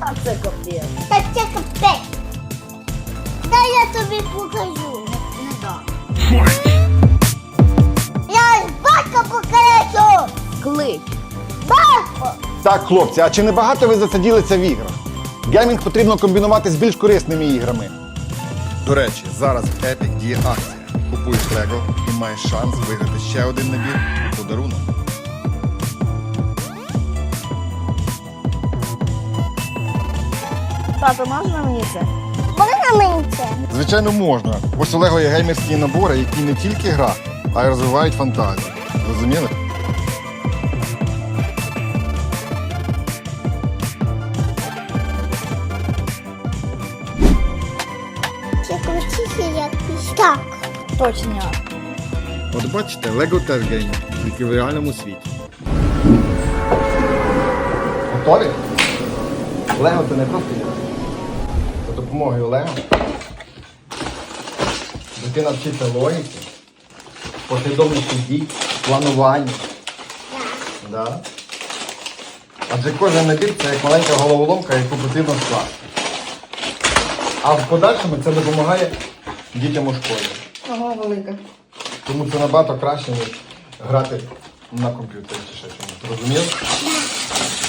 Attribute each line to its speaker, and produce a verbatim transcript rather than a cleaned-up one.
Speaker 1: А це капець.
Speaker 2: Та це капець. Дай я тобі покажу.
Speaker 1: Не дам.
Speaker 2: Я ж батька покажу.
Speaker 1: Клич.
Speaker 2: Батько.
Speaker 3: Так, хлопці, а чи не багато ви засаділися в іграх? Геймінг потрібно комбінувати з більш корисними іграми. До речі, зараз в Epic діє акція. Купуєш Lego і маєш шанс виграти ще один набір у подарунок.
Speaker 1: Тато, можна мені це?
Speaker 2: Можна мені це?
Speaker 3: Звичайно, можна. Ось у Lego є геймерські набори, які не тільки гра, а й розвивають фантазію. Розуміли?
Speaker 2: Це крутіше, як пістак.
Speaker 1: Точно.
Speaker 3: От бачите, Lego теж геймінг, тільки в реальному світі. Готові? Лего це не просто ігра. За допомогою Лего дитина вчиться логіки, послідовності дій, плануванню. Да. Адже кожен набір це як маленька головоломка, яку потрібно скласти. А в подальшому це допомагає дітям у школі.
Speaker 1: Ого, велика.
Speaker 3: Тому це набагато краще, ніж грати на комп'ютері чи ще чомусь. Розумів?